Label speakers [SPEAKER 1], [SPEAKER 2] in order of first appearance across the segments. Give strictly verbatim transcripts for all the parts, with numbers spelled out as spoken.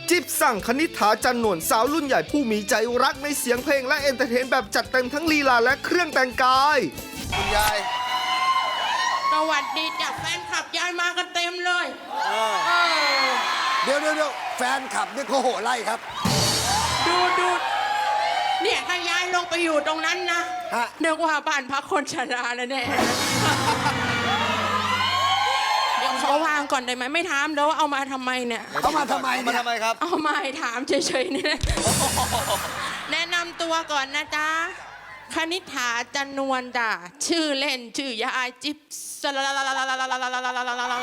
[SPEAKER 1] จิ๊บสั่งคณิษฐาจันนวลสาวรุ่นใหญ่ผู้มีใจรักในเสียงเพลงและเอนเตอร์เทนแบบจัดเต็มทั้งลีลาและเครื่องแต่งกาย
[SPEAKER 2] คุณยาย
[SPEAKER 3] สวัสดีจ้ะแฟนคลับยายมากันเต็มเลย
[SPEAKER 2] เดี๋ยวเดี๋ยวเดี๋ยวแฟนคลับนี่เขาโห่ไล่ครับ
[SPEAKER 3] ดูดูเนี่ยถ้ายายลงไปอยู่ตรงนั้นนะนึกว่าบ้านพักคนชราแล้วเนี่ยเดี๋ยวขอวางก่อนได้ไหมไม่ถามแล้วว่าเอามาทำไมเนี่ย
[SPEAKER 2] เอามาทำไมเนี่ยทำไมครับ
[SPEAKER 3] เอามาให้ถามเฉยๆนี่แนะนำตัวก่อนนะจ๊ะคณิษฐาจันนวลจ้ะชื่อเล่นชื่อยายจิ๊บสลาลาลาลาลาลาลาลาลาลาลาลา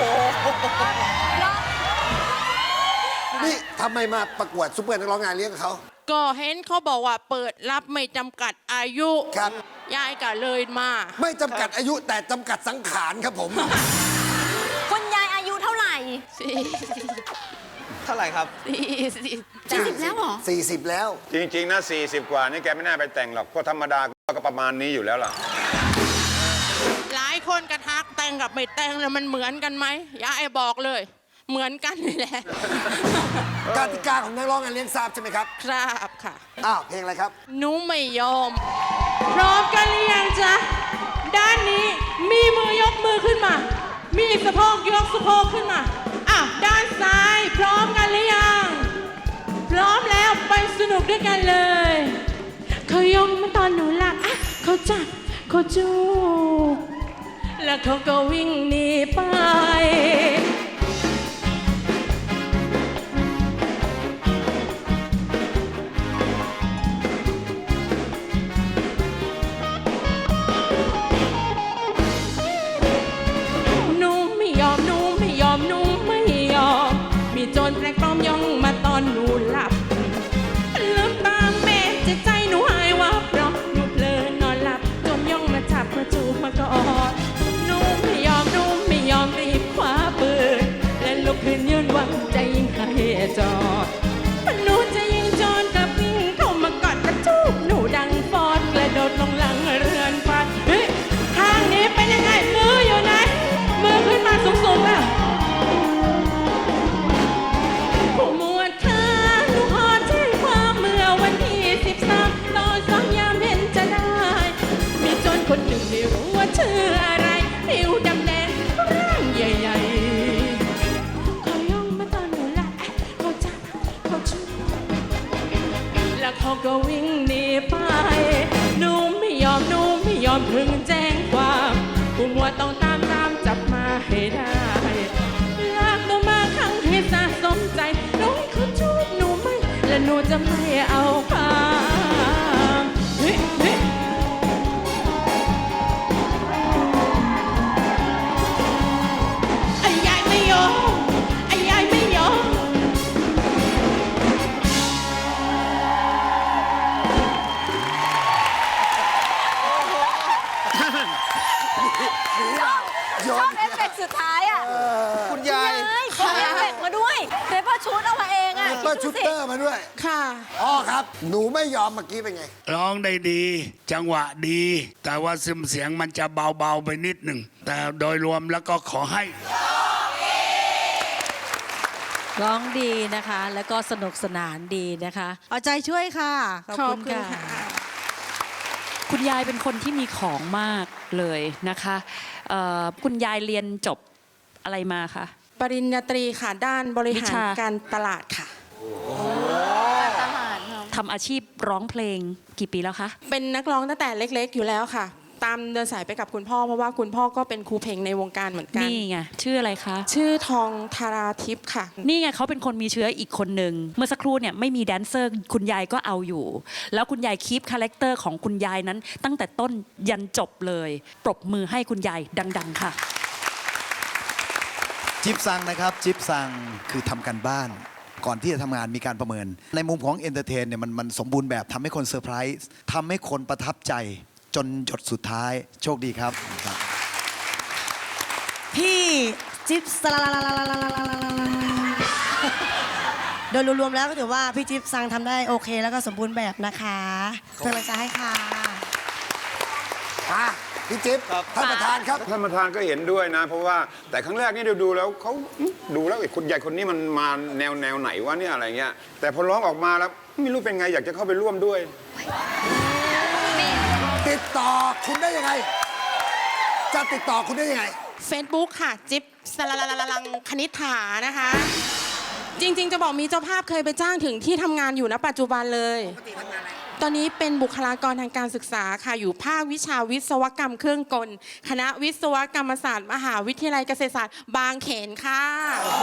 [SPEAKER 2] นี่ทำไมมาประกวดซุปเปอร์นักร้องงานเลี้ยงกับเขา
[SPEAKER 3] ก็เห็นเขาบอกว่าเปิดรับไม่จำกัดอายุ
[SPEAKER 2] ครับ
[SPEAKER 3] ยายก็เลยมา
[SPEAKER 2] ไม่จำกัดอายุแต่จำกัดสังขารครับผม
[SPEAKER 4] คุณยายอายุเท่าไหร่
[SPEAKER 5] เท่าไหร่ครับ
[SPEAKER 4] สี่สิบแล้วเหรอ
[SPEAKER 2] สี่สิบแล้ว
[SPEAKER 6] จริงๆนะสี่สิบกว่านี่แกไม่น่าไปแต่งหรอกเพราะธรรมดาก็ประมาณนี้อยู่แล้วล่ะ
[SPEAKER 3] หลายคนกระทักแต่งกับไม่แต่งแล้วมันเหมือนกันไหมยายบอกเลยเหมือนกันนี่แหละ
[SPEAKER 2] กติกาของนักร้องงานเลี้ยงทราบใช่ไหมครับ
[SPEAKER 3] ครับค่ะ
[SPEAKER 2] อ้าวเพลงอะไรครับ
[SPEAKER 3] หนูไม่ยอมพร้อมกันหรือยังจ๊ะด้านนี้มีมือยกมือขึ้นมามีสะโพกยกสะโพกขึ้นมาอ่ะด้านซ้ายพร้อมกันหรือยังพร้อมแล้วไปสนุกด้วยกันเลยเขายกมาตอนหนูหลับอ่ะเขาจับเขาจูบแล้วเขาก็วิ่งหนีไปโจรแปลกปลอมย่องมาตอนหนูหลับลืมตาแม่ใจใจหนูหายวับเพราะหนูเพลินนอนหลับโจรย่องมาจับมาจูบมากอดหนูไม่ยอมหนูไม่ยอมรีบคว้าปืนและลุกขึ้นยืนหวังใจยิงให้จอดหนูจะยิงโจรกับวิ่งเข้ามากอดกระจูบหนูดังฟอดกระโดดลงหลังเรือนฟันเฮ้ยทางนี้เป็นยังไงมืออยู่ไหนมือขึ้นมาสูงๆแล้วคนหนึ่งไม่รู้ว่าชื่ออะไรผิวดำแดงร่างใหญ่ๆเขาย่องมาตอนหนูหลับเขาจับเขาชูแล้วเขาก็วิ่งหนีไปหนูไม่ยอมหนูไม่ยอมถึงแจ้งความผู้มัวต้องตามตามจับมาให้ได้ลากตัวมาขังให้สะสมใจน้องเขาจูบหนูไม่และหนูจะไม่เอาความเฮ้ยเฮ้ย
[SPEAKER 4] ชอบเอฟเฟกต์สุดท้ายอ่ะ
[SPEAKER 2] คุณยาย
[SPEAKER 4] เขาเอฟเฟกต์มาด้วยเปเปอร์ชูตเอามาเองอ่ะ
[SPEAKER 2] เปเปอร์ชูตเตอร์มาด้วย
[SPEAKER 3] ค่ะ
[SPEAKER 2] อ๋อครับหนูไม่ยอมเมื่อกี้เป็นไง
[SPEAKER 7] ร้องได้ดีจังหวะดีแต่ว่าซึมเสียงมันจะเบาๆไปนิดหนึ่งแต่โดยรวมแล้วก็ขอให้
[SPEAKER 8] ร้องดีนะคะแล้วก็สนุกสนานดีนะคะเอาใจช่วยค่ะ
[SPEAKER 3] ขอบคุณค่ะ
[SPEAKER 8] คุณยายเป็นคนที่มีของมากเลยนะคะคุณยายเรียนจบอะไรมาคะ
[SPEAKER 3] ปริญญาตรีค่ะด้านบริหารการตลาดค่ะ
[SPEAKER 8] ทำอาชีพร้องเพลงกี่ปีแล้วคะ
[SPEAKER 3] เป็นนักร้องตั้งแต่เล็กๆอยู่แล้วค่ะตามเดินสายไปกับคุณพ่อเพราะว่าคุณพ่อก็เป็นครูเพลงในวงการเหมือนกัน
[SPEAKER 8] นี่ไงชื่ออะไรคะ
[SPEAKER 3] ชื่อทองธาราทิพย์ค่ะ
[SPEAKER 8] นี่ไงเขาเป็นคนมีเชื้ออีกคนหนึ่งเมื่อสักครู่เนี่ยไม่มีแดนเซอร์คุณยายก็เอาอยู่แล้วคุณยายคีปคาแรคเตอร์ของคุณยายนั้นตั้งแต่ต้นยันจบเลยปรบมือให้คุณยายดังๆค่ะ
[SPEAKER 9] จิ๊บซังนะครับจิ๊บซังคือทำกันบ้านก่อนที่จะทำงานมีการประเมินในมุมของเอนเตอร์เทนเนี่ยมันมันสมบูรณ์แบบทำให้คนเซอร์ไพรส์ทำให้คนประทับใจจนหยดสุดท้ายโชคดีครับ
[SPEAKER 4] พี่จิ๊บสลาลาลาลาลาลาลาโดยรวมๆแล้วก็ถือว่าพี่จิ๊บซังทำได้โอเคแล้วก็สมบูรณ์แบบนะคะเป็นกำลังใจให้ค่ะ
[SPEAKER 2] พี่จิ๊บ
[SPEAKER 5] ครับ
[SPEAKER 2] ท่านประธานครับ
[SPEAKER 6] ท่านประธานก็เห็นด้วยนะ เพราะว่าแต่ครั้งแรกนี่ดูดูแล้วเขาดูแล้วไอ้คนใหญ่คนนี้มันมาแนวแนวไหนวะเนี่ยอะไรเงี้ยแต่พอร้องออกมาแล้วไม่รู้เป็นไงอยากจะเข้าไปร่วมด้วย
[SPEAKER 2] ติดต่อคุณได้ยังไง จะติดต่อคุณได้ยังไง
[SPEAKER 3] Facebook ค่ะ จิ๊บสลาลาลังคณิษฐานะคะ จริง ๆ จะบอกมีเจ้าภาพเคยไปจ้างถึงที่ทำงานอยู่ณปัจจุบันเลย ตอนนี้เป็นบุคลากรทางการศึกษาค่ะ อยู่ภาควิชาวิศวกรรมเครื่องกล คณะวิศวกรรมศาสตร์ มหาวิทยาลัยเกษตรศาสตร์ บางเขนค่ะ